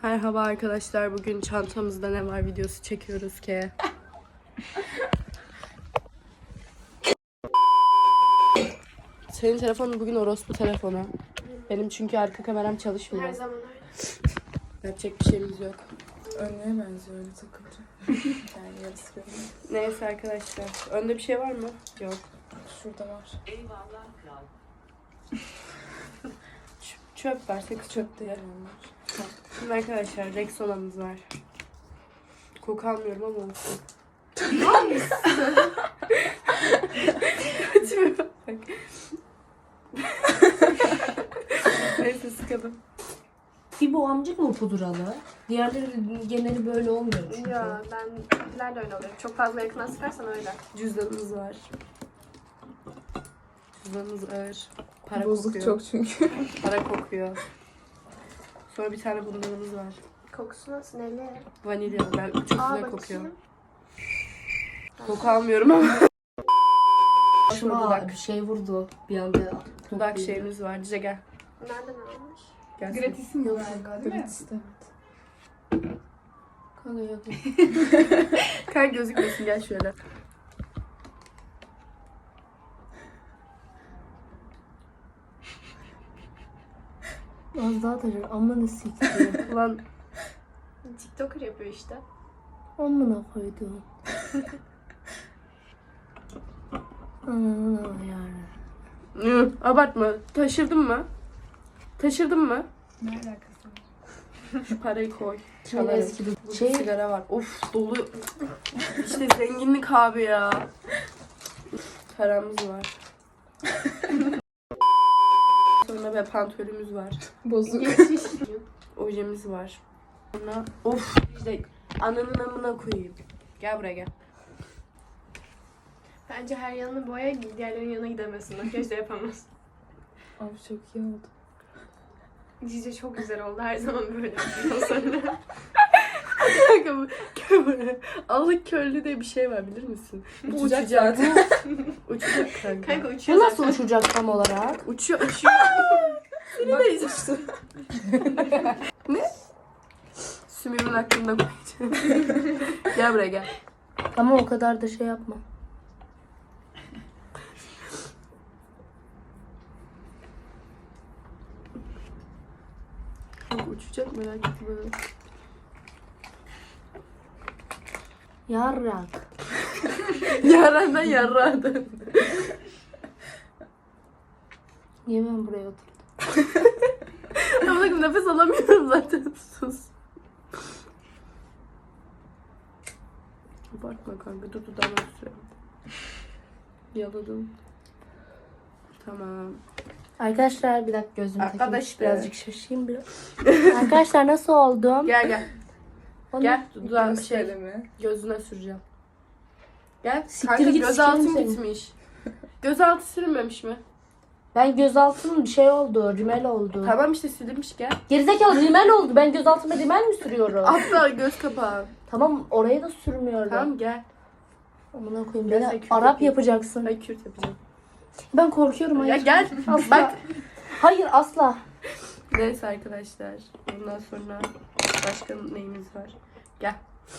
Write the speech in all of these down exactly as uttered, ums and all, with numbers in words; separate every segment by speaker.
Speaker 1: Merhaba arkadaşlar. Bugün çantamızda ne var videosu çekiyoruz ki. Senin telefonun bugün orospu telefonu. Benim çünkü arka kameram çalışmıyor.
Speaker 2: Her zaman öyle.
Speaker 1: Yapacak bir şeyimiz yok.
Speaker 3: Önlüğe benziyor öyle takınca. Yani yarısı görünüyor.
Speaker 1: Neyse arkadaşlar. Önde bir şey var mı? Yok.
Speaker 3: Şurada var.
Speaker 1: Ç- çöp var. Sakız çöp değil. Şimdi arkadaşlar Rexona'mız var. Koku almıyorum ama olsun. Kötü bak. Neyse sıkalım.
Speaker 4: Bir bu amcık mı pudralı? Diğerleri geneli böyle olmuyor çünkü.
Speaker 2: Ya ben de öyle oluyor. Çok fazla yakına sıkarsan öyle.
Speaker 1: Cüzdanımız var. Cüzdanımız ağır. Para
Speaker 3: Bozuk
Speaker 1: kokuyor.
Speaker 3: çok çünkü.
Speaker 1: Para kokuyor. Sonra bir tane bunlarımız var.
Speaker 2: Kokusu nasıl? Neli?
Speaker 1: Vanilya. Ben çok
Speaker 2: Aa
Speaker 1: güzel kokuyor.
Speaker 2: bakayım.
Speaker 1: Koku almıyorum ama.
Speaker 4: Şuna
Speaker 1: dudak.
Speaker 4: bir şey vurdu bir anda.
Speaker 1: Dudak şeyimiz var. Dice gel.
Speaker 2: Nereden almış?
Speaker 1: Gel.
Speaker 3: Gratis mi galiba değil mi? Gratis evet.
Speaker 4: Kanka yok.
Speaker 1: Kanka gözükmesin gel şöyle.
Speaker 4: Az daha taşır. Amına siktir.
Speaker 1: Ulan
Speaker 2: TikToker yapıyor işte.
Speaker 4: Amına koydum. Ananı yani.
Speaker 1: Hı, abartma. Taşırdın mı? Taşırdın mı?
Speaker 3: Ne alakası var?
Speaker 1: Şu parayı koy.
Speaker 4: Çok
Speaker 1: Çalarım.
Speaker 4: eski bir
Speaker 1: Burada
Speaker 4: şey.
Speaker 1: sigara var. Of dolu. İşte zenginlik abi ya. Paramız var. Sonra ve pantolümüz var.
Speaker 3: Bozuk.
Speaker 2: Geçiş.
Speaker 1: Ojemiz var. Sonra of işte ananın amına koyayım. Gel buraya gel.
Speaker 2: Bence her yanını boya, diğerlerinin yanına gidemesin. Makyaj da yapamaz.
Speaker 3: Abi çok iyi oldu.
Speaker 2: Cici çok güzel oldu. Her zaman böyle. Ondan sonra.
Speaker 1: Kanka bu kömür. Alık köylü diye bir şey var bilir misin? Bu
Speaker 3: Uçacak
Speaker 1: uçacak.
Speaker 3: zaten.
Speaker 1: Uçacak kanka.
Speaker 2: Kanka uçuyor
Speaker 4: Bu nasıl
Speaker 2: zaten.
Speaker 4: uçacak tam olarak?
Speaker 1: Uçuyor uçuyor.
Speaker 3: Bak uçtu.
Speaker 1: Sümürün hakkında koyacağım. Gel buraya gel.
Speaker 4: Ama o kadar da şey yapma.
Speaker 1: Kanka uçacak merak etme.
Speaker 4: Yarrak.
Speaker 1: Yarandan yarrağa döndü.
Speaker 4: Niye ben buraya oturdum?
Speaker 1: Ama bakın nefes alamıyorum zaten. Sus. Abartma kanka. Dur dudağıma sürüyorum. Yaladım. Tamam.
Speaker 4: Arkadaşlar bir dakika gözümü takayım.
Speaker 1: Arkadaşlar.
Speaker 4: Birazcık şaşayım biraz. Arkadaşlar nasıl oldum?
Speaker 1: Gel gel.
Speaker 4: Onu-
Speaker 1: Gel dudağına şey
Speaker 3: Göster mi?
Speaker 1: gözüne süreceğim. Gel.
Speaker 4: Siktir
Speaker 1: Kanka
Speaker 4: git,
Speaker 1: gözaltın
Speaker 4: sikerim seni.
Speaker 1: gitmiş. Gözaltı sürünmemiş mi?
Speaker 4: Ben gözaltım bir şey oldu. Rimel oldu.
Speaker 1: Tamam işte silinmiş gel.
Speaker 4: Gerizekalı rimel oldu. Ben gözaltıma rimel mi sürüyorum?
Speaker 1: Hatta göz kapağı.
Speaker 4: Tamam oraya da sürmüyorum.
Speaker 1: Tamam gel.
Speaker 4: Amına koyayım.
Speaker 1: Gözle
Speaker 4: Beni
Speaker 1: kürt
Speaker 4: Arap
Speaker 1: yapayım.
Speaker 4: yapacaksın.
Speaker 1: Ben kürt yapacağım.
Speaker 4: Ben korkuyorum. Hayır.
Speaker 1: Ya gel.
Speaker 4: Asla.
Speaker 1: Bak.
Speaker 4: Hayır asla.
Speaker 1: Neyse arkadaşlar. Bundan sonra başka neyimiz var? Gel.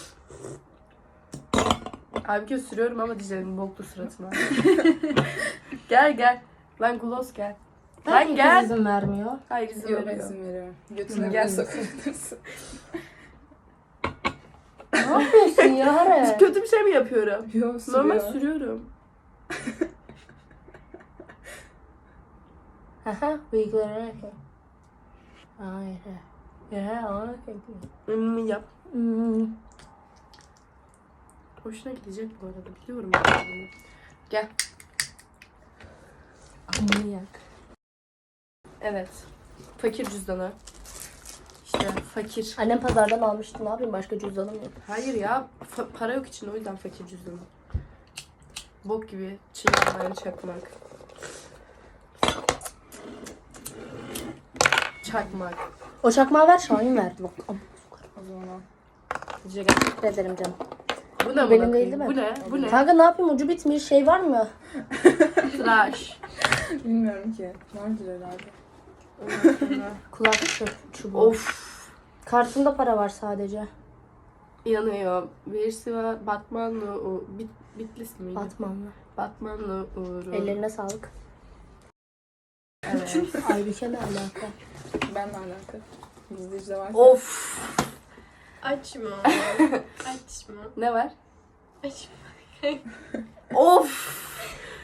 Speaker 1: Abi göz sürüyorum ama diyeceğim boklu suratına. Gel gel. Lan gloss gel. Lan
Speaker 4: Herkes
Speaker 1: gel.
Speaker 4: izin vermiyor.
Speaker 1: Hayır izin
Speaker 3: Yok
Speaker 1: veriyor.
Speaker 3: izin veriyorum.
Speaker 1: Hı,
Speaker 3: Götüne
Speaker 1: gel.
Speaker 3: gel sokabilirsin.
Speaker 4: Ne yapıyorsun ya Hare?
Speaker 1: Kötü bir şey mi yapıyorum?
Speaker 3: Yok sürüyor.
Speaker 1: Normal sürüyorum.
Speaker 4: Haha bıyıklarına bak. Hayır. Ya ona
Speaker 1: Hmm, yap.
Speaker 4: Hmm.
Speaker 1: Hoşuna gidecek bu arada. Biliyorum ben bunu. Gel.
Speaker 4: Manyak.
Speaker 1: Evet. Fakir cüzdanı. İşte fakir.
Speaker 4: Annem pazardan almıştı. Ne yapayım? Başka cüzdanım yok.
Speaker 1: Hayır ya. fa- para yok içinde o yüzden fakir cüzdanı. Bok gibi çiğnenmeyen çakmak. Çakmak.
Speaker 4: O çakmağı ver Şahin ver. Bak, am-
Speaker 3: O zaman.
Speaker 1: Dice gel.
Speaker 4: teşekkür ederim canım.
Speaker 1: Bu ne?
Speaker 4: Benim
Speaker 1: bana
Speaker 4: değil
Speaker 1: koyayım?
Speaker 4: değil mi?
Speaker 1: Bu ne? Bu ne?
Speaker 4: Kanka ne yapayım? Ucu bitmiş. Şey var mı?
Speaker 1: Tıraş.
Speaker 3: Bilmiyorum ki. Vardır herhalde.
Speaker 1: Ondan sonra-
Speaker 4: Kulak çu- çubuğu.
Speaker 1: Of.
Speaker 4: Kartında para var sadece.
Speaker 1: İnanıyorum. Birisi var. Batmanlı o. Bit, Bitlis miydi?
Speaker 4: Batmanlı.
Speaker 1: Batmanlı Uğur'u.
Speaker 4: Ellerine sağlık.
Speaker 1: Evet.
Speaker 4: Aybüke ne alaka?
Speaker 3: Benle alakalı. İzleyicide var.
Speaker 1: Of.
Speaker 2: Açma. Açma.
Speaker 1: Ne var?
Speaker 2: Açma.
Speaker 1: Of.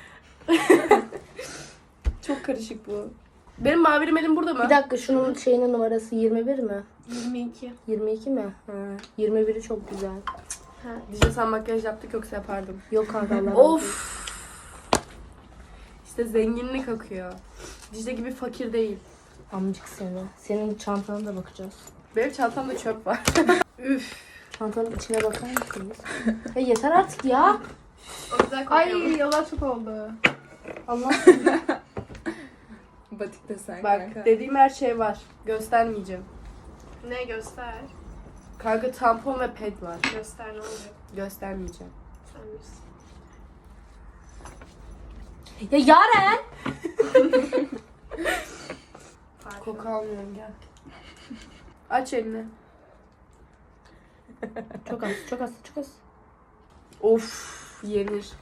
Speaker 1: Çok karışık bu. Benim mavi rimelim burada mı?
Speaker 4: Bir dakika şunun şeyinin numarası yirmi bir mi?
Speaker 2: yirmi iki.
Speaker 4: yirmi iki mi? Ha. yirmi biri çok güzel.
Speaker 2: Ha.
Speaker 1: Dicle sen makyaj yaptık yoksa yapardım.
Speaker 4: Yok kanka Allah razı olsun.
Speaker 1: Of. İşte zenginlik akıyor. Dicle gibi fakir değil.
Speaker 4: Amcık seni. Senin çantana da bakacağız.
Speaker 1: Benim çantamda çöp var. Üf.
Speaker 4: Çantanın içine bakar mısınız? Ya yeter artık ya.
Speaker 2: O güzel kokuyor.
Speaker 3: Ay yalan çok oldu.
Speaker 4: Allah.
Speaker 3: Batik desen
Speaker 1: Bak
Speaker 3: kanka.
Speaker 1: dediğim her şey var. Göstermeyeceğim.
Speaker 2: Ne göster.
Speaker 1: Kanka tampon ve ped var.
Speaker 2: Göster ne olacak.
Speaker 1: Göstermeyeceğim.
Speaker 2: Sen bilirsin.
Speaker 4: Ya Yaren.
Speaker 2: Parfüm.
Speaker 1: Koku almıyorum gel. Aç elini.
Speaker 4: Çok az, çok az, çok az.
Speaker 1: Of yenir.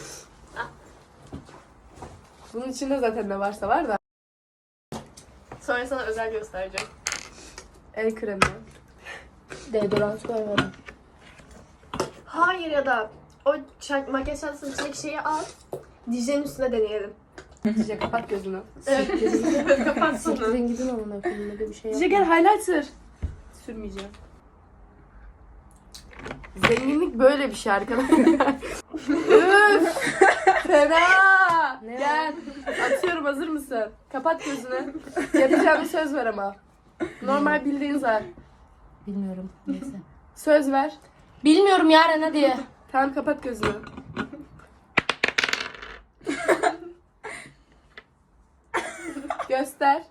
Speaker 1: Bunun içinde zaten ne varsa var da.
Speaker 2: Sonra sana özel göstereceğim.
Speaker 1: El kremi.
Speaker 4: Deodorant koymadım.
Speaker 2: Hayır ya da o çak, makyaj çantasının içindeki şeyi al. Dicle'nin üstüne deneyelim.
Speaker 1: Dicle kapat gözünü.
Speaker 2: Evet. Kapatsana.
Speaker 4: Siktirin gidin amına koyayım öyle bir şey
Speaker 1: Dicle
Speaker 4: yapma.
Speaker 1: gel highlighter. Sürmeyeceğim. Zenginlik böyle bir şey arkadaşlar. Üf! Fena!
Speaker 4: Ne
Speaker 1: Gel. Atıyorum, hazır mısın? Kapat gözünü. Yapacağım, söz ver ama. Normal bildiğin zar.
Speaker 4: Bilmiyorum. Neyse.
Speaker 1: Söz ver.
Speaker 4: Bilmiyorum Yaren hadi.
Speaker 1: Tamam kapat gözünü. Göster.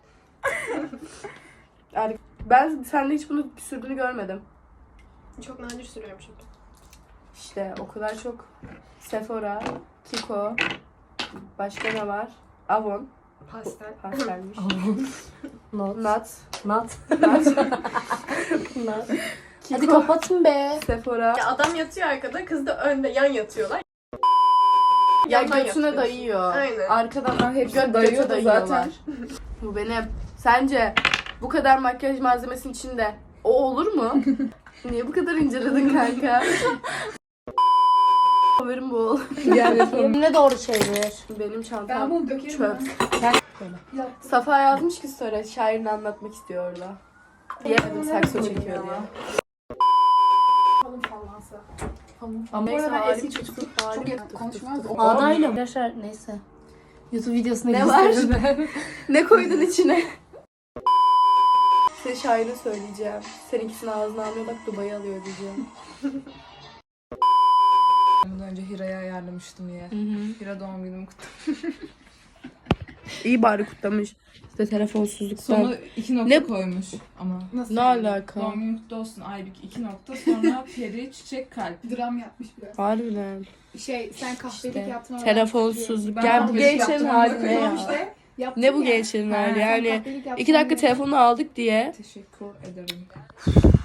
Speaker 1: Ar- Ben sende hiç bunu sürdüğünü görmedim.
Speaker 2: Çok nadir sürüyorum çünkü.
Speaker 1: İşte o kadar çok Sephora, Kiko, başka ne var? Avon,
Speaker 2: Pastel.
Speaker 1: pastelmiş.
Speaker 4: Not.
Speaker 1: Nat,
Speaker 4: Not.
Speaker 1: Nat,
Speaker 4: Not.
Speaker 1: Kiko,
Speaker 4: Hadi kapatın be.
Speaker 1: Sephora.
Speaker 2: Ya adam yatıyor arkada, kız da önde yan yatıyorlar.
Speaker 1: Ya
Speaker 2: Yandan
Speaker 1: götüne
Speaker 2: yapıyorsun.
Speaker 1: dayıyor.
Speaker 2: Aynen.
Speaker 1: Arkadan
Speaker 3: Ha, hepsi
Speaker 1: göt
Speaker 3: dayıyor
Speaker 1: götü
Speaker 3: da
Speaker 1: dayıyorlar.
Speaker 3: zaten.
Speaker 1: Bu benim. Sence bu kadar makyaj malzemesinin içinde o olur mu? Niye bu kadar inceledin kanka? Haberim bol.
Speaker 3: Gel yapalım.
Speaker 4: Yeminle doğru çevir.
Speaker 1: Benim
Speaker 3: Ben
Speaker 1: çantam
Speaker 3: bunu dökerim
Speaker 1: çöp.
Speaker 3: ben.
Speaker 1: Safa yazmış ki sonra şairini anlatmak istiyor orada. Diyemedim, sakso çekiyor diye.
Speaker 3: Kalın fallansa. Kalın.
Speaker 1: Ama
Speaker 3: Bu arada
Speaker 1: neyse,
Speaker 3: ben eski
Speaker 1: harika.
Speaker 3: çocuk
Speaker 1: Harika.
Speaker 3: çok yakın konuşmaz.
Speaker 4: Ağdayla. Arkadaşlar neyse. YouTube videosuna
Speaker 1: Ne var?
Speaker 4: gösteririm.
Speaker 1: Ne koydun içine? Size şairini söyleyeceğim. Seninkisini ağzına almıyor, bak Dubai'ye alıyor diyeceğim.
Speaker 3: Bundan önce Hira'ya ayarlamıştım ya. Hira doğum günümü kutlamış.
Speaker 1: İyi bari kutlamış. İşte telefonsuzluktan.
Speaker 5: Sonu iki nokta
Speaker 1: Ne-
Speaker 5: koymuş ama.
Speaker 3: Nasıl?
Speaker 1: Ne alaka?
Speaker 5: Doğum günün kutlu olsun Aybük iki nokta, sonra peri, çiçek, kalp.
Speaker 3: Dram yapmış biraz.
Speaker 1: Harbiden.
Speaker 3: Şey sen kahvelik
Speaker 1: İşte,
Speaker 3: yaptın.
Speaker 1: Telefonsuzluk.
Speaker 5: Ben
Speaker 1: Ya bu
Speaker 5: kahvelik
Speaker 1: gençlerin
Speaker 5: yaptım,
Speaker 1: hali
Speaker 5: bakın
Speaker 1: ne ya?
Speaker 3: İşte, yaptın
Speaker 1: Ne bu
Speaker 3: ya.
Speaker 1: gençlerin
Speaker 5: Ha,
Speaker 1: hali
Speaker 3: Sen
Speaker 1: yani.
Speaker 3: kahvelik yaptın
Speaker 1: iki dakika
Speaker 3: diye.
Speaker 1: telefonu aldık diye.
Speaker 5: Teşekkür ederim.